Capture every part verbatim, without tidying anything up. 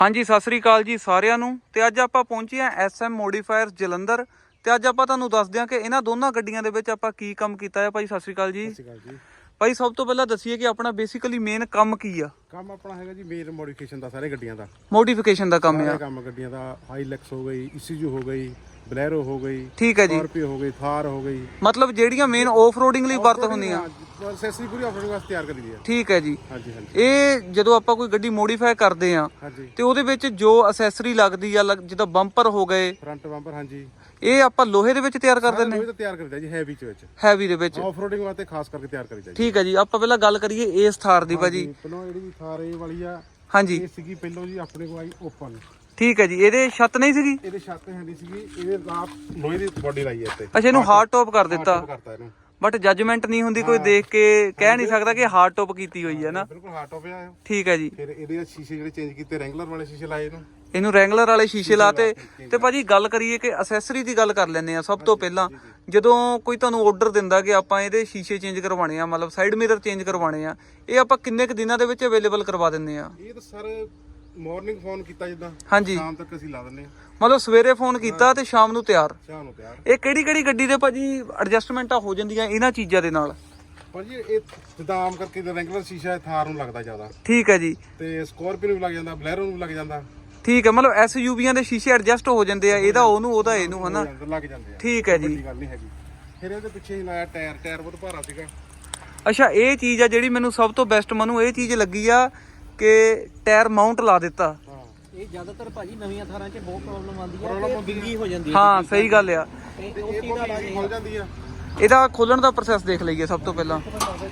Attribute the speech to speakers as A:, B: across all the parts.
A: हाँ जी सत श्री अकाल जी सारिਆਂ ਨੂੰ ਤੇ ਅੱਜ ਆਪਾਂ ਪਹੁੰਚੇ ਆ ਐਸ ਐਮ ਮੋਡੀਫਾਇਰਸ ਜਲੰਧਰ ਤੇ ਅੱਜ ਆਪਾਂ ਤੁਹਾਨੂੰ ਦੱਸ ਦਿਆਂ ਕਿ ਇਹਨਾਂ ਦੋਨਾਂ ਗੱਡੀਆਂ ਦੇ ਵਿੱਚ ਆਪਾਂ ਕੀ ਕੰਮ ਕੀਤਾ ਹੈ। ਭਾਈ ਸਤ श्री अकाल जी।
B: ਸਤਿ ਸ਼੍ਰੀ ਅਕਾਲ ਜੀ।
A: ਭਾਈ ਸਭ ਤੋਂ ਪਹਿਲਾਂ ਦੱਸੀਏ ਕਿ ਆਪਣਾ ਬੇਸਿਕਲੀ ਮੇਨ ਕੰਮ ਕੀ ਆ।
B: ਕੰਮ ਆਪਣਾ ਹੈਗਾ ਜੀ ਮੇਨ ਮੋਡੀਫਿਕੇਸ਼ਨ ਦਾ, ਸਾਰੇ ਗੱਡੀਆਂ ਦਾ
A: ਮੋਡੀਫਿਕੇਸ਼ਨ ਦਾ ਕੰਮ ਆ।
B: ਕੰਮ ਗੱਡੀਆਂ ਦਾ ਹਾਈਲੈਕਸ ਹੋ ਗਈ, ਈਸੂਜ਼ੂ ਹੋ ਗਈ, ਬਲੈਰੋ ਹੋ ਗਈ,
A: ਠੀਕ ਹੈ ਜੀ,
B: ਸਕਾਰਪੀਓ ਹੋ ਗਈ, ਥਾਰ ਹੋ ਗਈ,
A: ਮਤਲਬ ਜਿਹੜੀਆਂ ਮੇਨ ਆਫ ਰੋਡਿੰਗ ਲਈ ਵਰਤ ਹੁੰਦੀਆਂ
B: ਐਕਸੈਸਰੀ ਪੂਰੀ ਆਫ ਰੋਡਿੰਗ ਵਾਸਤੇ ਤਿਆਰ ਕਰੀ ਦੀ ਹੈ।
A: ਠੀਕ ਹੈ ਜੀ।
B: ਹਾਂਜੀ ਹਾਂਜੀ।
A: ਇਹ ਜਦੋਂ ਆਪਾਂ ਕੋਈ ਗੱਡੀ ਮੋਡੀਫਾਈ ਕਰਦੇ ਆ ਤੇ ਉਹਦੇ ਵਿੱਚ ਜੋ ਅਸੈਸਰੀ ਲੱਗਦੀ ਆ ਜਿੱਦਾਂ ਬੰਪਰ ਹੋ ਗਏ,
B: ਫਰੰਟ ਬੰਪਰ, ਹਾਂਜੀ
A: ਇਹ ਆਪਾਂ ਲੋਹੇ ਦੇ ਵਿੱਚ ਤਿਆਰ ਕਰ ਦਿੰਦੇ
B: ਲੋਹੇ ਤੇ ਤਿਆਰ ਕਰੀਦਾ ਜੀ, ਹੈਵੀ ਚ ਵਿੱਚ,
A: ਹੈਵੀ ਦੇ ਵਿੱਚ
B: ਆਫ ਰੋਡਿੰਗ ਵਾਸਤੇ ਖਾਸ ਕਰਕੇ ਤਿਆਰ ਕਰੀਦਾ ਜੀ।
A: ਠੀਕ ਹੈ ਜੀ। ਆਪਾਂ ਪਹਿਲਾਂ ਗੱਲ ਕਰੀਏ ਇਸ ਥਾਰ ਦੀ ਭਾਜੀ।
B: ਪਹਿਲਾਂ ਜਿਹੜੀ ਥਾਰ ਇਹ ਵਾਲੀ ਆ,
A: ਹਾਂਜੀ,
B: ਇਹ ਸੀਗੀ ਪਹਿਲਾਂ ਜੀ ਆਪਣੇ ਕੋਲ ਆਈ ਓਪਨ।
A: ਠੀਕ ਹੈ ਜੀ। ਇਹਦੇ ਛੱਤ ਨਹੀਂ ਸੀਗੀ,
B: ਇਹਦੇ ਛੱਤ ਹੈਂਦੀ ਸੀਗੀ, ਇਹਦੇ ਆਪ ਲੋਹੇ ਦੀ ਬੋਡੀ ਲਾਈ ਹੈ ਇੱਥੇ।
A: ਅੱਛਾ, ਇਹਨੂੰ ਹਾਰਡ ਟੌਪ ਕਰ ਦਿੱਤਾ,
B: ਕਰਤਾ ਇਹਨੂੰ,
A: ਬਟ ਜੱਜਮੈਂਟ ਨਹੀਂ ਹੁੰਦੀ, ਕੋਈ ਦੇਖ ਕੇ ਕਹਿ ਨਹੀਂ ਸਕਦਾ ਕਿ ਹਾਰਡ ਟੌਪ ਕੀਤੀ ਹੋਈ ਹੈ ਨਾ।
B: ਬਿਲਕੁਲ ਹਾਰਡ ਟੌਪ ਆ।
A: ਠੀਕ ਹੈ ਜੀ।
B: ਫਿਰ ਇਹਦੇ ਸ਼ੀਸ਼ੇ ਜਿਹੜੇ ਚੇਂਜ ਕੀਤੇ, ਰੈਂਗਲਰ ਵਾਲੇ ਸ਼ੀਸ਼ੇ ਲਾਏ ਇਹਨੂੰ,
A: ਇਹਨੂੰ ਰੈਂਗਲਰ ਵਾਲੇ ਸ਼ੀਸ਼ੇ ਲਾਤੇ। ਤੇ ਭਾਜੀ ਗੱਲ ਕਰੀਏ ਕਿ ਅਸੈਸਰੀ ਦੀ ਗੱਲ ਕਰ ਲੈਂਦੇ ਆ। ਸਭ ਤੋਂ ਪਹਿਲਾਂ ਜਦੋਂ ਕੋਈ ਤੁਹਾਨੂੰ ਆਰਡਰ ਦਿੰਦਾ ਕਿ ਆਪਾਂ ਇਹਦੇ ਸ਼ੀਸ਼ੇ ਚੇਂਜ ਕਰਵਾਣੇ ਆ, ਮਤਲਬ ਸਾਈਡ ਮਿਰਰ ਚੇਂਜ ਕਰਵਾਣੇ ਆ, ਇਹ ਆਪਾਂ ਕਿੰਨੇ ਕੁ ਦਿਨਾਂ ਦੇ ਵਿੱਚ ਅਵੇਲੇਬਲ ਕਰਵਾ ਦਿੰਦੇ ਆ?
B: ਇਹ ਤਾਂ ਸਰ ਮਾਰਨਿੰਗ ਫੋਨ ਕੀਤਾ ਜਿੱਦਾਂ,
A: ਹਾਂਜੀ,
B: ਸ਼ਾਮ ਤੱਕ ਅਸੀਂ ਲਾ ਦਿੰਦੇ ਆ।
A: ਮਤਲਬ ਸਵੇਰੇ ਫੋਨ ਕੀਤਾ ਤੇ ਸ਼ਾਮ ਨੂੰ ਤਿਆਰ।
B: ਸ਼ਾਮ ਨੂੰ ਤਿਆਰ।
A: ਇਹ ਕਿਹੜੀ ਕਿਹੜੀ ਗੱਡੀ ਦੇ ਭਾਜੀ ਐਡਜਸਟਮੈਂਟਾਂ ਹੋ ਜਾਂਦੀਆਂ ਇਹਨਾਂ ਚੀਜ਼ਾਂ ਦੇ ਨਾਲ?
B: ਭਾਜੀ ਇਹ ਜਿੱਦਾਂ ਆਮ ਕਰਕੇ ਰੈਂਗਲਰ ਸ਼ੀਸ਼ਾ ਥਾਰ ਨੂੰ ਲੱਗਦਾ ਜ਼ਿਆਦਾ,
A: ਠੀਕ ਹੈ ਜੀ,
B: ਤੇ ਸਕਾਰਪੀਓ ਨੂੰ ਵੀ ਲੱਗ ਜਾਂਦਾ, ਬਲੈਰੋ ਨੂੰ ਵੀ ਲੱਗ ਜਾਂਦਾ।
A: ਠੀਕ ਹੈ, ਮਤਲਬ ਐਸ ਯੂਵੀਆਂ ਦੇ ਸ਼ੀਸ਼ੇ ਐਡਜਸਟ ਹੋ ਜਾਂਦੇ ਆ, ਇਹਦਾ ਉਹਨੂੰ ਉਹਦਾ ਇਹਨੂੰ, ਹਨਾ,
B: ਲੱਗ ਜਾਂਦੇ ਆ।
A: ਠੀਕ ਹੈ ਜੀ।
B: ਗੱਲ ਨਹੀਂ ਹੈਗੀ। ਫਿਰ ਇਹਦੇ ਪਿੱਛੇ ਹੀ ਲਾਇਆ ਟਾਇਰ, ਟਾਇਰ ਬਹੁਤ ਭਾਰਾ ਸੀਗਾ।
A: ਅੱਛਾ, ਇਹ ਚੀਜ਼ ਆ ਜਿਹੜੀ ਮੈਨੂੰ ਸਭ ਤੋਂ ਬੈਸਟ ਮੈਨੂੰ ਇਹ ਚੀਜ਼ ਲੱਗੀ ਆ ਕਿ ਟਾਇਰ ਮਾਊਂਟ ਲਾ ਦਿੱਤਾ।
C: ਇਹ ਜ਼ਿਆਦਾਤਰ ਭਾਜੀ ਨਵੀਆਂ ਥਾਰਾਂ 'ਚ ਬਹੁਤ ਪ੍ਰੋਬਲਮ ਆਉਂਦੀ ਹੈ ਕਿ ਬਿੰਗੀ ਹੋ ਜਾਂਦੀ ਹੈ।
A: ਹਾਂ ਸਹੀ ਗੱਲ ਆ।
C: ਤੇ
B: ਇਹ
C: ਉਹ ਚੀਜ਼ ਦਾ ਇਲਾਜ
B: ਖੁੱਲ ਜਾਂਦੀ ਆ।
A: ਇਹਦਾ ਖੋਲਣ ਦਾ ਪ੍ਰੋਸੈਸ ਦੇਖ ਲਈਏ ਸਭ ਤੋਂ ਪਹਿਲਾਂ।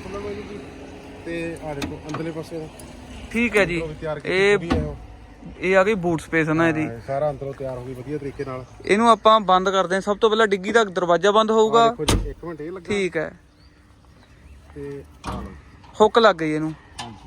B: ਤੇ ਆ ਦੇਖੋ ਅੰਦਰਲੇ ਪਾਸੇ
A: ਠੀਕ ਹੈ ਜੀ। ਇਹ ਇਹ ਆ ਗਈ ਬੂਟ ਸਪੇਸ ਨਾ ਇਹਦੀ,
B: ਸਾਰਾ ਅੰਦਰੋਂ ਤਿਆਰ ਹੋ ਗਈ ਵਧੀਆ ਤਰੀਕੇ ਨਾਲ।
A: ਇਹਨੂੰ ਆਪਾਂ ਬੰਦ ਕਰਦੇ ਹਾਂ। ਸਭ ਤੋਂ ਪਹਿਲਾਂ ਡਿੱਗੀ ਦਾ ਦਰਵਾਜ਼ਾ ਬੰਦ ਹੋਊਗਾ।
B: ਦੇਖੋ ਜੀ, ਇੱਕ ਮਿੰਟ ਇਹ ਲੱਗਾ।
A: ਠੀਕ ਹੈ,
B: ਤੇ
A: ਹੁੱਕ ਲੱਗ ਗਈ ਇਹਨੂੰ।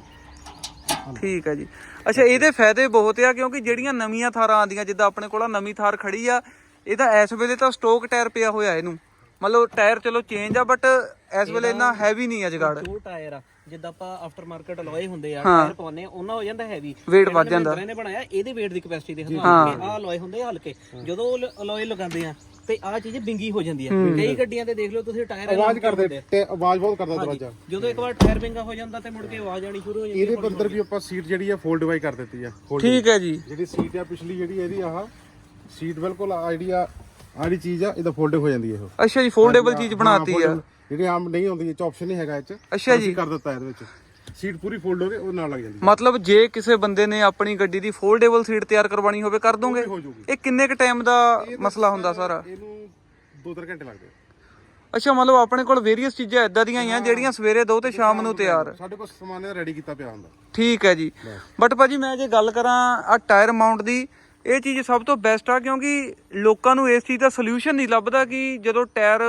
A: ਠੀਕ ਹੈ ਜੀ। ਅੱਛਾ, ਇਹਦੇ ਫਾਇਦੇ ਬਹੁਤ ਆ ਕਿਉਂਕਿ ਜਿਹੜੀਆਂ ਨਵੀਆਂ ਥਾਰਾਂ ਆਉਂਦੀਆਂ, ਜਿੱਦਾਂ ਆਪਣੇ ਕੋਲ ਨਵੀਂ ਥਾਰ ਖੜੀ ਆ, ਇਹਦਾ ਇਸ ਵੇਲੇ ਤਾਂ ਸਟੋਕ ਟਾਇਰ ਪਿਆ ਹੋਇਆ ਇਹਨੂੰ, ਮਤਲਬ ਟਾਇਰ ਚਲੋ ਚੇਂਜ ਆ ਬਟ ਇਸ ਵੇਲੇ ਇੰਨਾ ਹੈਵੀ ਨਹੀਂ ਆ ਜਗਾੜ।
C: ਜੋ ਟਾਇਰ ਆ ਜਿੱਦਾਂ ਆਪਾਂ ਆਫਟਰ ਮਾਰਕੀਟ ਅਲੋਏ ਹੁੰਦੇ ਆ, ਟਾਇਰ ਪਾਉਂਦੇ ਆ, ਉਹਨਾਂ ਹੋ ਜਾਂਦਾ ਹੈਵੀ,
A: weight ਵੱਧ ਜਾਂਦਾ।
C: ਇਹਨੇ ਬਣਾਇਆ ਇਹਦੇ weight ਦੀ ਕੈਪੈਸਿਟੀ ਦੇ ਹਿਸਾਬ ਨਾਲ ਆਹ ਅਲੋਏ ਹੁੰਦੇ ਆ ਹਲਕੇ, ਜਦੋਂ ਅਲੋਏ ਲਗਾਉਂਦੇ ਆ ਤੇ ਆਹ ਚੀਜ਼ ਬਿੰਗੀ ਹੋ ਜਾਂਦੀ ਹੈ। ਕਈ ਗੱਡੀਆਂ ਤੇ ਦੇਖ ਲਓ ਤੁਸੀਂ ਟਾਇਰ
B: ਆਵਾਜ਼ ਕਰਦੇ, ਤੇ ਆਵਾਜ਼ ਬਹੁਤ ਕਰਦਾ ਦਰਵਾਜ਼ਾ।
C: ਜਦੋਂ ਇੱਕ ਵਾਰ ਟਾਇਰ ਬਿੰਗਾ ਹੋ ਜਾਂਦਾ ਤੇ ਮੁੜ ਕੇ ਆਵਾਜ਼ ਆਣੀ ਸ਼ੁਰੂ ਹੋ ਜਾਂਦੀ ਹੈ।
B: ਇਹਦੇ ਅੰਦਰ ਵੀ ਆਪਾਂ ਸੀਟ ਜਿਹੜੀ ਆ ਫੋਲਡ ਵਾਈ ਕਰ ਦਿੱਤੀ ਆ।
A: ਠੀਕ ਹੈ ਜੀ।
B: ਜਿਹੜੀ ਸੀਟ ਆ ਪਿਛਲੀ ਜਿਹੜੀ ਇਹਦੀ ਆਹ ਸੀਟ ਬਿਲਕੁਲ ਆਈਡੀ ਆ, ਆੜੀ ਚੀਜ਼ ਆ, ਇਹਦਾ ਫੋਲਡ ਹੋ ਜਾਂਦੀ ਹੈ ਇਹ।
A: ਅੱਛਾ ਜੀ, ਫੋਲਡੇਬਲ ਚੀਜ਼ ਬਣਾਤੀ ਆ
B: ਜਿਹੜੀ ਆਮ ਨਹੀਂ ਹੁੰਦੀ, ਇਹ ਚ ਆਪਸ਼ਨ ਨਹੀਂ ਹੈਗਾ ਇਹ ਚ।
A: ਅੱਛਾ ਜੀ,
B: ਕਰ ਦਿੱਤਾ ਇਹਦੇ ਵਿੱਚ, ਸੀਟ ਪੂਰੀ ਫੋਲਡ ਹੋ ਕੇ ਉਹ ਨਾਲ ਲੱਗ ਜਾਂਦੀ।
A: ਮਤਲਬ ਜੇ ਕਿਸੇ ਬੰਦੇ ਨੇ ਆਪਣੀ ਗੱਡੀ ਦੀ ਫੋਲਡੇਬਲ ਸੀਟ ਤਿਆਰ ਕਰਵਾਣੀ ਹੋਵੇ ਕਰ ਦੋਗੇ? ਇਹ ਕਿੰਨੇ ਕ ਟਾਈਮ ਦਾ ਮਸਲਾ ਹੁੰਦਾ ਸਾਰਾ?
B: ਇਹਨੂੰ ਦੋ ਤਿੰਨ ਘੰਟੇ ਲੱਗਦੇ।
A: ਅੱਛਾ, ਮਤਲਬ ਆਪਣੇ ਕੋਲ ਵੇਰੀਅਸ ਚੀਜ਼ਾਂ ਇਦਾਂ ਦੀਆਂ ਹੀ ਆ ਜਿਹੜੀਆਂ ਸਵੇਰੇ ਦੋ ਤੇ ਸ਼ਾਮ ਨੂੰ ਤਿਆਰ।
B: ਸਾਡੇ ਕੋਲ ਸਮਾਨ ਰੈਡੀ ਕੀਤਾ ਪਿਆ ਹੁੰਦਾ।
A: ਠੀਕ ਹੈ ਜੀ। ਬਟ ਭਾਜੀ ਮੈਂ ਜੇ ਗੱਲ ਕਰਾਂ ਆ ਟਾਇਰ ਮਾਊਂਟ ਦੀ, ਇਹ ਚੀਜ਼ ਸਭ ਤੋਂ ਬੈਸਟ ਆ ਕਿਉਂਕਿ ਲੋਕਾਂ ਨੂੰ ਇਸ ਚੀਜ਼ ਦਾ ਸੋਲੂਸ਼ਨ ਨਹੀਂ ਲੱਭਦਾ ਕਿ ਜਦੋਂ ਟਾਇਰ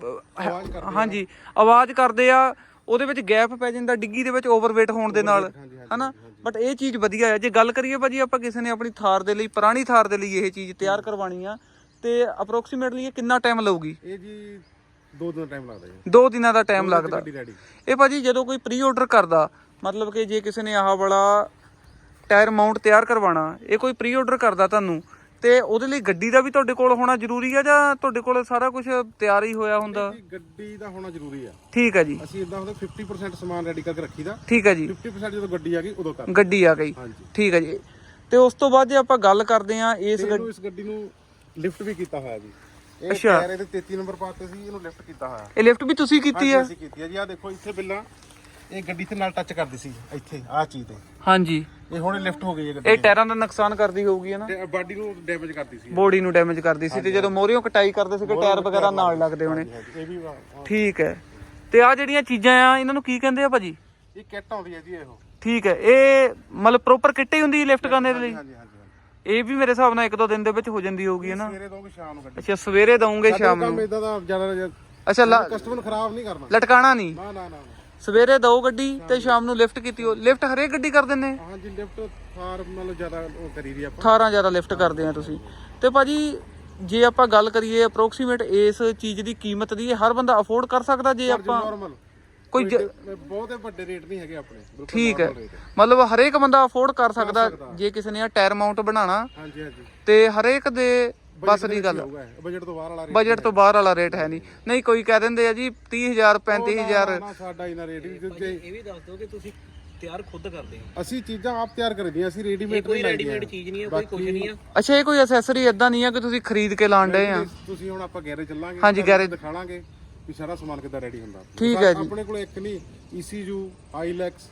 A: ਹਾਂਜੀ ਆਵਾਜ਼ ਕਰਦੇ ਆ, ਉਹਦੇ ਵਿੱਚ ਗੈਪ ਪੈ ਜਾਂਦਾ ਡਿੱਗੀ ਦੇ ਵਿੱਚ ਓਵਰਵੇਟ ਹੋਣ ਦੇ ਨਾਲ, ਹਨਾ। ਬਟ ਇਹ ਚੀਜ਼ ਵਧੀਆ ਆ। ਜੇ ਗੱਲ ਕਰੀਏ ਭਾਜੀ ਆਪਾਂ ਕਿਸੇ ਨੇ ਆਪਣੀ ਥਾਰ ਦੇ ਲਈ, ਪੁਰਾਣੀ ਥਾਰ ਦੇ ਲਈ ਇਹ ਚੀਜ਼ ਤਿਆਰ ਕਰਵਾਣੀ ਆ ਤੇ ਅਪਰੋਕਸੀਮੇਟਲੀ ਇਹ ਕਿੰਨਾ ਟਾਈਮ ਲਊਗੀ?
B: ਇਹ ਜੀ ਦੋ ਦਿਨ ਟਾਈਮ ਲੱਗਦਾ ਜੀ।
A: ਦੋ ਦਿਨਾਂ ਦਾ ਟਾਈਮ ਲੱਗਦਾ। ਇਹ ਭਾਜੀ ਜਦੋਂ ਕੋਈ ਪ੍ਰੀ ਆਰਡਰ ਕਰਦਾ, ਮਤਲਬ ਕਿ ਜੇ ਕਿਸੇ ਨੇ ਆਹ ਵਾਲਾ ਟਾਇਰ ਮਾਊਂਟ ਤਿਆਰ ਕਰਵਾਉਣਾ, ਇਹ ਕੋਈ ਪ੍ਰੀ ਆਰਡਰ ਕਰਦਾ ਤੁਹਾਨੂੰ, ਤੇ ਉਹਦੇ ਲਈ ਗੱਡੀ ਦਾ ਵੀ ਤੁਹਾਡੇ ਕੋਲ ਹੋਣਾ ਜ਼ਰੂਰੀ ਆ ਜਾਂ ਤੁਹਾਡੇ ਕੋਲ ਸਾਰਾ ਕੁਝ ਤਿਆਰ ਹੀ ਹੋਇਆ ਹੁੰਦਾ?
B: ਗੱਡੀ ਦਾ ਹੋਣਾ ਜ਼ਰੂਰੀ ਆ।
A: ਠੀਕ ਹੈ ਜੀ।
B: ਅਸੀਂ ਇਦਾਂ ਹੁੰਦਾ ਫਿਫਟੀ ਪਰਸੈਂਟ ਸਮਾਨ ਰੈਡੀ ਕਰਕੇ ਰੱਖੀਦਾ।
A: ਠੀਕ ਹੈ ਜੀ।
B: ਫਿਫਟੀ ਪਰਸੈਂਟ ਜਦੋਂ ਗੱਡੀ ਆ ਗਈ ਉਦੋਂ ਕਰ
A: ਗੱਡੀ ਆ ਗਈ। ਠੀਕ ਹੈ ਜੀ। ਤੇ ਉਸ ਤੋਂ ਬਾਅਦ ਜੇ ਆਪਾਂ ਗੱਲ ਕਰਦੇ ਆ ਇਸ
B: ਗੱਡੀ ਇਸ ਗੱਡੀ ਨੂੰ ਲਿਫਟ ਵੀ ਕੀਤਾ ਹੋਇਆ ਜੀ। ਇਹ
A: ਅੱਛਾ,
B: ਟਾਇਰ ਇਹਦੇ ਤੇਤੀ ਨੰਬਰ ਪਾਤੇ ਸੀ, ਇਹਨੂੰ ਲਿਫਟ ਕੀਤਾ ਹੋਇਆ।
A: ਇਹ ਲਿਫਟ ਵੀ ਤੁਸੀਂ ਕੀਤੀ ਆ?
B: ਅਸੀਂ ਕੀਤੀ ਆ ਜੀ। ਆ ਦੇਖੋ ਇੱਥੇ ਬਿੱਲਾਂ ਇਹ ਗੱਡੀ ਤੇ ਨਾਲ ਟੱਚ ਕਰਦੀ ਸੀ, ਇੱਥੇ ਆਹ ਚੀਜ਼ ਤੇ। ਹਾਂਜੀ, ਇਹ ਹੁਣ ਲਿਫਟ ਹੋ ਗਈ ਹੈ ਗੱਡੀ।
A: ਇਹ ਟਾਇਰਾਂ ਦਾ ਨੁਕਸਾਨ ਕਰਦੀ ਹੋਊਗੀ ਨਾ,
B: ਤੇ ਬਾਡੀ ਨੂੰ ਡੈਮੇਜ ਕਰਦੀ ਸੀ,
A: ਬੋਡੀ ਨੂੰ ਡੈਮੇਜ ਕਰਦੀ ਸੀ। ਤੇ ਜਦੋਂ ਮੋਰੀਓ ਕਟਾਈ ਕਰਦੇ ਸੀਗੇ ਟਾਇਰ ਵਗੈਰਾ ਨਾਲ ਲੱਗਦੇ ਹੋਣੇ।
B: ਇਹ ਵੀ
A: ਠੀਕ ਹੈ। ਤੇ ਆ ਜਿਹੜੀਆਂ ਚੀਜ਼ਾਂ ਆ ਇਹਨਾਂ ਨੂੰ ਕੀ ਕਹਿੰਦੇ ਆ ਭਾਜੀ?
B: ਇਹ ਕਿੱਟ ਆਉਂਦੀ ਹੈ ਜੀ ਇਹੋ।
A: ਠੀਕ ਹੈ। ਇਹ ਮਤਲਬ ਪ੍ਰੋਪਰ ਕਿੱਟ ਹੀ ਹੁੰਦੀ ਲਿਫਟ ਕਰਨ ਦੇ ਲਈ?
B: ਹਾਂਜੀ ਹਾਂਜੀ।
A: ਇਹ ਵੀ ਮੇਰੇ ਹਿਸਾਬ ਨਾਲ ਇੱਕ ਦੋ ਦਿਨ ਦੇ ਵਿੱਚ ਹੋ ਜਾਂਦੀ ਹੋਊਗੀ ਨਾ?
B: ਸਵੇਰੇ ਦੋਗੇ ਸ਼ਾਮ ਨੂੰ ਗੱਡੀ।
A: ਅੱਛਾ, ਸਵੇਰੇ ਦਊਂਗੇ ਸ਼ਾਮ ਨੂੰ?
B: ਕੰਮ ਇਦਾਂ ਦਾ ਜ਼ਿਆਦਾ। ਅੱਛਾ, ਕਸਟਮਰ ਨੂੰ ਖਰਾਬ ਨਹੀਂ ਕਰਨਾ,
A: ਲਟਕਾਣਾ ਨਹੀਂ।
B: ਨਾ ਨਾ ਨਾ।
A: ਸਵੇਰੇ ਦੋ ਗੱਡੀ ਤੇ ਸ਼ਾਮ ਨੂੰ ਲਿਫਟ ਕੀਤੀ ਹੋ। ਲਿਫਟ ਹਰੇਕ ਗੱਡੀ ਕਰ ਦਿੰਦੇ?
B: ਹਾਂਜੀ, ਲਿਫਟ ਥਾਰ ਨਾਲੋਂ ਜ਼ਿਆਦਾ ਉਹ ਕਰੀ ਦੀ ਆਪਾਂ।
A: ਥਾਰਾਂ ਜ਼ਿਆਦਾ ਲਿਫਟ ਕਰਦੇ ਆ ਤੁਸੀਂ। ਤੇ ਭਾਜੀ ਜੇ ਆਪਾਂ ਗੱਲ ਕਰੀਏ ਅਪਰੋਕਸੀਮੇਟ ਇਸ ਚੀਜ਼ ਦੀ ਕੀਮਤ ਦੀ, ਹਰ ਬੰਦਾ ਅਫੋਰਡ ਕਰ ਸਕਦਾ ਜੇ ਆਪਾਂ?
B: ਨਾਰਮਲ
A: ਕੋਈ ਜ-
B: ਬਹੁਤੇ ਵੱਡੇ ਰੇਟ ਨਹੀਂ ਹੈਗੇ ਆਪਣੇ ਬਿਲਕੁਲ
A: ਠੀਕ ਹੈ,
B: normal rate ਹੈ।
A: ਮਤਲਬ ਹਰੇਕ ਬੰਦਾ ਅਫੋਰਡ ਕਰ ਸਕਦਾ ਜੇ ਕਿਸੇ ਨੇ ਆ ਟਾਇਰ ਮਾਊਂਟ ਬਣਾਉਣਾ
B: ਹਾਂਜੀ ਹਾਂਜੀ
A: ਤੇ ਹਰੇਕ ਦੇ ਬਸ ਦੀ ਗੱਲ,
B: ਬਜਟ ਤੋਂ ਬਾਹਰ ਵਾਲਾ ਰੇਟ
A: ਬਜਟ ਤੋਂ ਬਾਹਰ ਵਾਲਾ ਰੇਟ ਹੈ ਨਹੀਂ। ਨਹੀਂ ਕੋਈ ਕਹਿ ਦਿੰਦੇ ਆ ਜੀ ਤੀਹ ਹਜ਼ਾਰ ਪੈਂਤੀ ਹਜ਼ਾਰ।
B: ਨਾ ਸਾਡਾ ਇਹਨਾਂ ਰੇਟ ਵੀ
C: ਭਾਜੀ ਇਹ ਵੀ ਦੱਸ ਦਿਓ ਕਿ ਤੁਸੀਂ ਤਿਆਰ ਖੁਦ ਕਰਦੇ ਹੋ?
B: ਅਸੀਂ ਚੀਜ਼ਾਂ ਆਪ ਤਿਆਰ ਕਰਦੀਆਂ, ਅਸੀਂ ਰੈਡੀਮੇਡ
C: ਕੋਈ
B: ਨਹੀਂ
C: ਰੈਡੀਮੇਡ
B: ਲਾਈਆਂ।
C: ਚੀਜ਼ ਨਹੀਂ ਹੈ, ਕੋਈ ਕੁਝ ਨਹੀਂ ਆ।
A: ਅੱਛਾ ਇਹ ਕੋਈ ਅਸੈਸਰੀ ਇਦਾਂ ਨਹੀਂ ਆ ਕਿ ਤੁਸੀਂ ਖਰੀਦ ਕੇ ਲਾਣ ਡਏ ਆ?
B: ਤੁਸੀਂ ਹੁਣ ਆਪਾਂ ਗੈਰੇਜ ਚੱਲਾਂਗੇ,
A: ਹਾਂਜੀ,
B: ਤੁਹਾਨੂੰ
A: ਗੈਰੇਜ
B: ਦਿਖਾਵਾਂਗੇ ਵੀ ਸਾਰਾ ਸਮਾਨ ਕਿੱਦਾਂ ਰੈਡੀ ਹੁੰਦਾ।
A: ਠੀਕ ਹੈ ਜੀ।
B: ਆਪਣੇ ਕੋਲ ਇੱਕ ਨਹੀਂ, ਈਸੀਯੂ, ਆਈਲੈਕਸ,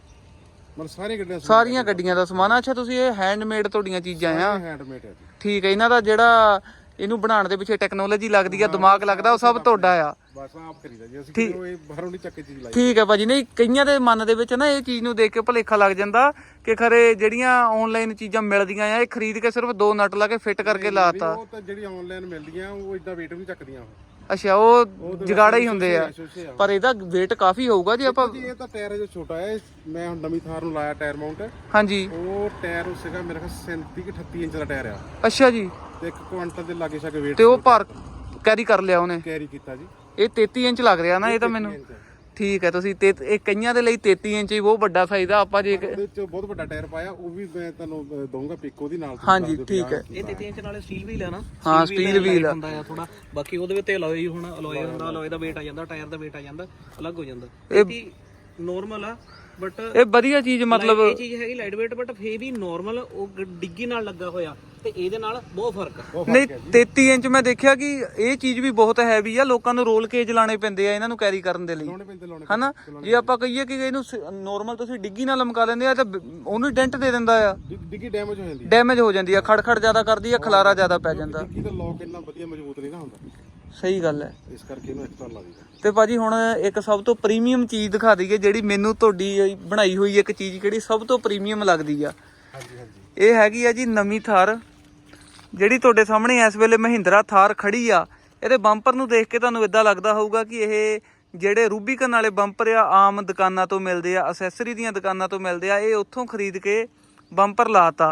B: ਮਤਲਬ ਸਾਰੀਆਂ ਗੱਡੀਆਂ
A: ਸਾਰੀਆਂ ਗੱਡੀਆਂ ਦਾ ਸਮਾਨ ਆ। ਅੱਛਾ ਤੁਸੀਂ ਇਹ ਹੈਂਡਮੇਡ ਤੁਹਾਡੀਆਂ ਚੀਜ਼ਾਂ ਆ?
B: ਹੈਂਡਮੇਡ ਹੈ ਜੀ।
A: ਠੀਕ ਹੈ, ਇਹਨਾਂ ਦਾ ਜਿਹੜਾ ਇਹਨੂੰ ਬਣਾਉਣ ਦੇ ਪਿੱਛੇ ਟੈਕਨੋਲੋਜੀ ਲੱਗਦੀ ਆ, ਦਿਮਾਗ ਲੱਗਦਾ, ਉਹ ਸਭ ਤੁਹਾਡਾ ਆ?
B: ਬਸ ਆਪ ਕਰੀਦਾ ਜੀ ਅਸੀਂ, ਕਿਉਂ ਇਹ ਬਾਹਰੋਂ ਨਹੀਂ ਚੱਕ ਕੇ ਚੀਜ਼ ਲਾਈ।
A: ਠੀਕ ਹੈ ਭਾਜੀ। ਨਹੀਂ ਕਈਆਂ ਦੇ ਮਨ ਦੇ ਵਿੱਚ ਨਾ ਇਹ ਚੀਜ਼ ਨੂੰ ਦੇਖ ਕੇ ਭੁਲੇਖਾ ਲੱਗ ਜਾਂਦਾ ਕਿ ਖਰੇ ਜਿਹੜੀਆਂ ਆਨਲਾਈਨ ਚੀਜ਼ਾਂ ਮਿਲਦੀਆਂ ਆ ਇਹ ਖਰੀਦ ਕੇ ਸਿਰਫ ਦੋ ਨਟ ਲਾ ਕੇ ਫਿੱਟ ਕਰਕੇ ਲਾਤਾ।
B: ਉਹ ਤਾਂ ਜਿਹੜੀ ਆਨਲਾਈਨ ਮਿਲਦੀਆਂ ਉਹ ਇਦਾਂ weight ਵੀ ਨਹੀਂ ਚੱਕਦੀਆਂ ਉਹ।
A: ਅੱਛਾ ਉਹ ਜਗਾੜਾ ਹੀ ਹੁੰਦੇ ਆ, ਪਰ ਇਹਦਾ weight ਕਾਫੀ ਹੋਊਗਾ ਜੀ ਆਪਾਂ।
B: ਜੀ ਇਹ ਤਾਂ ਟਾਇਰ ਜੋ ਛੋਟਾ ਹੈ, ਮੈਂ ਹੁਣ ਨਵੀਂ ਥਾਰ ਨੂੰ ਲਾਇਆ ਟਾਇਰ ਮਾਊਂਟ।
A: ਹਾਂਜੀ
B: ਉਹ ਟਾਇਰ ਸੀਗਾ ਮੇਰੇ ਖਿਆਲ ਸੈਂਤੀ ਕਿ ਅਠੱਤੀ ਇੰਚ ਦਾ ਟਾਇਰ ਆ,
A: ਅੱਛਾ ਜੀ।
B: ਤੇ ਇੱਕ ਕੁਆਂਟਲ ਦੇ ਲਾਗੇ ਛਾਗੇ weight
A: ਤੇ ਉਹ ਭਾਰ ਕੈਰੀ ਕਰ ਲਿਆ ਉਹਨੇ?
B: ਕੈਰੀ ਕੀਤਾ ਜੀ।
A: ਇਹ ਤੇਤੀ ਇੰਚ ਲੱਗ ਰਿਹਾ ਨਾ ਇਹ ਤਾਂ ਮੈਨੂੰ। ਠੀਕ ਹੈ, ਤੁਸੀਂ ਤੇ ਇਹ ਕਈਆਂ ਦੇ ਲਈ ਤੇਤੀ ਇੰਚ ਹੀ ਬਹੁਤ ਵੱਡਾ ਸਾਈਜ਼ ਆ। ਆਪਾਂ ਜੇ
B: ਉਹਦੇ ਵਿੱਚ ਬਹੁਤ ਵੱਡਾ ਟਾਇਰ ਪਾਇਆ, ਉਹ ਵੀ ਮੈਂ ਤੁਹਾਨੂੰ ਦਊਂਗਾ ਪਿਕ ਉਹਦੀ ਨਾਲ।
A: ਹਾਂਜੀ ਠੀਕ ਹੈ।
C: ਇਹ ਤੇਤੀ ਇੰਚ ਨਾਲੇ ਸਟੀਲ ਵੀਲ ਆ ਨਾ?
A: ਹਾਂ ਸਟੀਲ ਵੀਲ ਆ
C: ਹੁੰਦਾ ਆ ਥੋੜਾ, ਬਾਕੀ ਉਹਦੇ ਵਿੱਚ ਅਲੋਏ ਹੁਣ ਅਲੋਏ ਹੁੰਦਾ, ਅਲੋਏ ਦਾ weight ਆ ਜਾਂਦਾ, ਟਾਇਰ ਦਾ weight ਆ ਜਾਂਦਾ, ਅਲੱਗ ਹੋ ਜਾਂਦਾ। ਇਹ ਨਾਰਮਲ ਆ ਬਟ
A: ਇਹ ਵਧੀਆ ਚੀਜ਼, ਮਤਲਬ
C: ਇਹ ਚੀਜ਼ ਹੈਗੀ ਲਾਈਟ weight ਬਟ ਫੇ ਵੀ ਨਾਰਮਲ ਉਹ ਡਿੱਗੀ ਨਾਲ ਲੱਗਾ ਹੋਇਆ ਤੇ ਇਹਦੇ ਨਾਲ ਬਹੁਤ ਫਰਕ ਆ।
A: ਨਹੀਂ ਤੇਤੀ ਇੰਚ ਮੈਂ ਦੇਖਿਆ ਕਿ ਇਹ ਚੀਜ਼ ਵੀ ਬਹੁਤ ਹੈਵੀ ਆ, ਲੋਕਾਂ ਨੂੰ ਰੋਲ ਕੇਜ ਲਾਣੇ ਪੈਂਦੇ ਆ ਇਹਨਾਂ ਨੂੰ ਕੈਰੀ ਕਰਨ ਦੇ ਲਈ,
B: ਲਾਉਣੇ ਪੈਂਦੇ ਲਾਉਣੇ
A: ਹਨਾ? ਜੇ ਆਪਾਂ ਕਹੀਏ ਕਿ ਇਹਨੂੰ ਨੋਰਮਲ ਤੁਸੀਂ ਡਿੱਗੀ ਨਾਲ ਲਮਕਾ ਲੈਂਦੇ ਆ ਤਾਂ ਉਹਨੂੰ ਡੈਂਟ ਦੇ ਦਿੰਦਾ ਆ,
B: ਡਿੱਗੀ ਡੈਮੇਜ ਹੋ ਜਾਂਦੀ ਹੈ।
A: ਡੈਮੇਜ ਹੋ ਜਾਂਦੀ ਆ, ਖੜਖੜ ਜ਼ਿਆਦਾ ਕਰਦੀ ਆ, ਖਲਾਰਾ ਜ਼ਿਆਦਾ ਪੈ ਜਾਂਦਾ।
B: ਡਿੱਗੀ ਦਾ ਲੌਕ ਇੰਨਾ ਵਧੀਆ ਮਜ਼ਬੂਤ ਨਹੀਂ ਨਾ ਹੁੰਦਾ,
A: ਸਹੀ ਗੱਲ ਹੈ।
B: ਇਸ ਕਰਕੇ ਇਹਨੂੰ ਐਕਸਟਰਾ ਲਾ ਦਈਦਾ।
A: ਤੇ ਭਾਜੀ ਹੁਣ ਇੱਕ ਸਭ ਤੋਂ ਪ੍ਰੀਮੀਅਮ ਚੀਜ਼ ਦਿਖਾ ਦਈਏ, ਜਿਹੜੀ ਮੈਨੂੰ ਤੁਹਾਡੀ ਬਣਾਈ ਹੋਈ ਇੱਕ ਚੀਜ਼ ਕਿਹੜੀ ਸਭ ਤੋਂ ਪ੍ਰੀਮੀਅਮ ਲੱਗਦੀ ਆ?
B: ਹਾਂਜੀ ਹਾਂਜੀ
A: ਇਹ ਹੈਗੀ ਆ ਜੀ ਨਵੀਂ ਥਾਰ, ਜਿਹੜੀ ਤੁਹਾਡੇ ਸਾਹਮਣੇ ਇਸ ਵੇਲੇ ਮਹਿੰਦਰਾ ਥਾਰ ਖੜੀ ਆ। ਇਹਦੇ ਬੰਪਰ ਨੂੰ ਦੇਖ ਕੇ ਤੁਹਾਨੂੰ ਇਦਾਂ ਲੱਗਦਾ ਹੋਊਗਾ ਕਿ ਇਹ ਜਿਹੜੇ ਰੂਬੀਕਨ ਵਾਲੇ ਬੰਪਰ ਆ ਆਮ ਦੁਕਾਨਾਂ ਤੋਂ ਮਿਲਦੇ ਆ, ਅਸੈਸਰੀ ਦੀਆਂ ਦੁਕਾਨਾਂ ਤੋਂ ਮਿਲਦੇ ਆ, ਇਹ ਉੱਥੋਂ ਖਰੀਦ ਕੇ ਬੰਪਰ ਲਾਤਾ।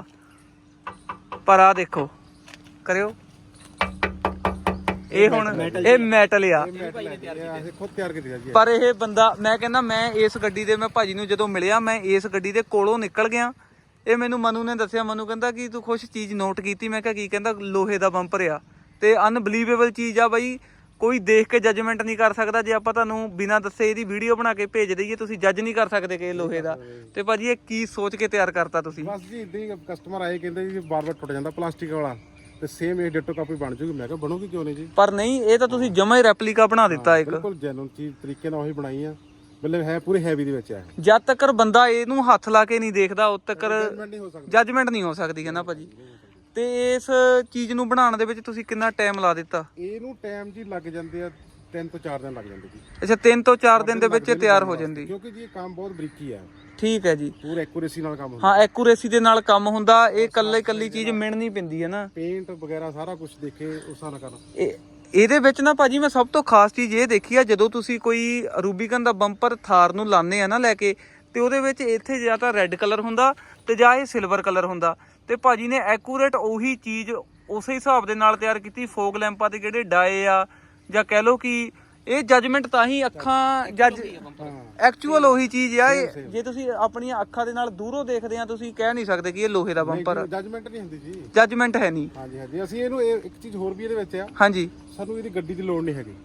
A: ਪਰ ਆ ਦੇਖੋ, ਕਰਿਓ, ਇਹ ਹੁਣ ਇਹ ਮੈਟਲ ਆ।
B: ਇਹ ਖੁਦ ਤਿਆਰ ਕੀਤਾ ਜੀ।
A: ਪਰ ਇਹ ਬੰਦਾ, ਮੈਂ ਕਹਿੰਦਾ ਮੈਂ ਇਸ ਗੱਡੀ ਦੇ, ਮੈਂ ਭਾਜੀ ਨੂੰ ਜਦੋਂ ਮਿਲਿਆ ਮੈਂ ਇਸ ਗੱਡੀ ਦੇ ਕੋਲੋਂ ਨਿਕਲ ਗਿਆ। ਇਹ ਮੈਨੂੰ ਮਨੂ ਨੇ ਦੱਸਿਆ, ਮਨੂ ਕਹਿੰਦਾ ਕਿ ਤੂੰ ਕੁਛ ਚੀਜ਼ ਨੋਟ ਕੀਤੀ? ਮੈਂ ਕਿਹਾ ਕੀ? ਕਹਿੰਦਾ ਲੋਹੇ ਦਾ ਬੰਪਰ ਆ ਤੇ ਅਨਬਲੀਵੇਬਲ ਚੀਜ਼ ਆ ਬਾਈ, ਕੋਈ ਦੇਖ ਕੇ ਜੱਜਮੈਂਟ ਨਹੀਂ ਕਰ ਸਕਦਾ। ਜੇ ਆਪਾਂ ਤੁਹਾਨੂੰ ਬਿਨਾਂ ਦੱਸੇ ਇਹਦੀ ਵੀਡੀਓ ਬਣਾ ਕੇ ਭੇਜ ਦਈਏ, ਤੁਸੀਂ ਜੱਜ ਨਹੀਂ ਕਰ ਸਕਦੇ ਕਿ ਇਹ ਲੋਹੇ ਦਾ। ਤੇ ਭਾਜੀ ਇਹ ਕੀ ਸੋਚ ਕੇ ਤਿਆਰ ਕਰਤਾ ਤੁਸੀਂ?
B: ਬਸ ਜੀ ਇਦਾਂ ਹੀ ਕਸਟਮਰ ਆਏ, ਕਹਿੰਦੇ ਜੀ ਬਾਰ-ਬਾਰ ਟੁੱਟ ਜਾਂਦਾ ਪਲਾਸਟਿਕ ਵਾਲਾ, ਤੇ ਸੇਮ ਇਹ ਡਿਟੋ ਕਾਪੀ ਬਣ ਜੂਗੀ। ਮੈਂ ਕਿਹਾ ਬਣੂਗੀ ਕਿਉਂ ਨਹੀਂ ਜੀ।
A: ਪਰ ਨਹੀਂ, ਇਹ ਤਾਂ ਤੁਸੀਂ ਜਮਾ ਹੀ ਰੈਪਲੀਕਾ ਬਣਾ ਦਿੱਤਾ ਇੱਕ।
B: ਬਿਲਕੁਲ ਜੈਨੂਨ ਚੀਜ਼ ਤਰੀਕੇ ਨਾਲ ਉਹੀ ਬਣਾਈ ਆ, ਮਤਲਬ ਹੈ ਪੂਰੇ ਹੈਵੀ ਦੇ ਵਿੱਚ ਹੈ।
A: ਜਦ ਤੱਕ ਬੰਦਾ ਇਹਨੂੰ ਹੱਥ ਲਾ ਕੇ ਨਹੀਂ ਦੇਖਦਾ ਉਦ ਤੱਕ
B: ਜਜਮੈਂਟ ਨਹੀਂ ਹੋ ਸਕਦੀ।
A: ਜੱਜਮੈਂਟ ਨਹੀਂ ਹੋ ਸਕਦੀ ਹੈ ਨਾ ਭਾਜੀ। ਤੇ ਇਸ ਚੀਜ਼ ਨੂੰ ਬਣਾਉਣ ਦੇ ਵਿੱਚ ਤੁਸੀਂ ਕਿੰਨਾ ਟਾਈਮ ਲਾ ਦਿੱਤਾ?
B: ਇਹਨੂੰ ਟਾਈਮ ਜੀ ਲੱਗ ਜਾਂਦੇ ਆ, ਤਿੰਨ ਤੋਂ ਚਾਰ ਦਿਨ ਲੱਗ ਜਾਂਦੇ ਜੀ।
A: ਅੱਛਾ ਤਿੰਨ ਤੋਂ ਚਾਰ ਦਿਨ ਦੇ ਵਿੱਚ ਇਹ ਤਿਆਰ ਹੋ ਜਾਂਦੀ?
B: ਕਿਉਂਕਿ ਜੀ ਇਹ ਕੰਮ ਬਹੁਤ ਬਰੀਕੀ ਆ।
A: ਠੀਕ ਹੈ ਜੀ।
B: ਪੂਰਾ ਐਕੂਰੇਸੀ ਨਾਲ ਕੰਮ ਹੁੰਦਾ।
A: ਹਾਂ ਐਕੂਰੇਸੀ ਦੇ ਨਾਲ ਕੰਮ ਹੁੰਦਾ। ਇਹ ਕੱਲੇ ਕੱਲੀ ਚੀਜ਼ ਮਿਣਨੀ ਪੈਂਦੀ ਹੈ ਨਾ,
B: ਪੇਂਟ ਵਗੈਰਾ ਸਾਰਾ ਕੁਝ ਦੇਖੇ ਉਸ ਹਿਸਾਬ ਨਾਲ ਕਰਨਾ।
A: ਇਹ ਇਹਦੇ ਵਿੱਚ ਨਾ ਭਾਜੀ ਮੈਂ ਸਭ ਤੋਂ ਖਾਸ ਚੀਜ਼ ਇਹ ਦੇਖੀ ਆ, ਜਦੋਂ ਤੁਸੀਂ ਕੋਈ ਰੂਬੀਕਨ ਦਾ ਬੰਪਰ ਥਾਰ ਨੂੰ ਲਾਉਂਦੇ ਆ ਨਾ ਲੈ ਕੇ, ਤੇ ਉਹਦੇ ਵਿੱਚ ਇੱਥੇ ਜਾਂ ਤਾਂ ਰੈੱਡ ਕਲਰ ਹੁੰਦਾ ਤੇ ਜਾਂ ਇਹ ਸਿਲਵਰ ਕਲਰ ਹੁੰਦਾ। ਤੇ ਭਾਜੀ ਨੇ ਐਕੂਰੇਟ ਉਹੀ ਚੀਜ਼ ਉਸੇ ਹਿਸਾਬ ਦੇ ਨਾਲ ਤਿਆਰ ਕੀਤੀ। ਫੋਗ ਲੈਂਪਾਂ ਦੇ ਜਿਹੜੇ ਡਾਏ ਆ, ਜਾਂ ਕਹਿ ਲਓ ਕਿ ਇਹ ਜੱਜਮੈਂਟ ਤਾਂ ਹੀ ਅੱਖਾਂ ਜੱਜ ਐਕਚੁਅਲ ਉਹੀ ਚੀਜ਼ ਆ। ਇਹ ਜੇ ਤੁਸੀਂ ਆਪਣੀਆਂ ਅੱਖਾਂ ਦੇ ਨਾਲ ਦੂਰੋਂ ਦੇਖਦੇ ਆ, ਤੁਸੀਂ ਕਹਿ ਨਹੀਂ ਸਕਦੇ ਕਿ ਇਹ ਲੋਹੇ ਦਾ ਬੰਪਰ ਆ।
B: ਜੱਜਮੈਂਟ ਨਹੀਂ ਹੁੰਦੀ ਜੀ,
A: ਜੱਜਮੈਂਟ ਹੈ ਨਹੀਂ।
B: ਹਾਂਜੀ ਹਾਂਜੀ। ਅਸੀਂ ਇਹਨੂੰ ਇੱਕ ਚੀਜ਼ ਹੋਰ ਵੀ ਇਹਦੇ ਵਿੱਚ ਆ,
A: ਹਾਂਜੀ,
B: ਸਾਨੂੰ ਇਹਦੀ ਗੱਡੀ ਦੀ ਲੋੜ ਨਹੀਂ ਹੈਗੀ।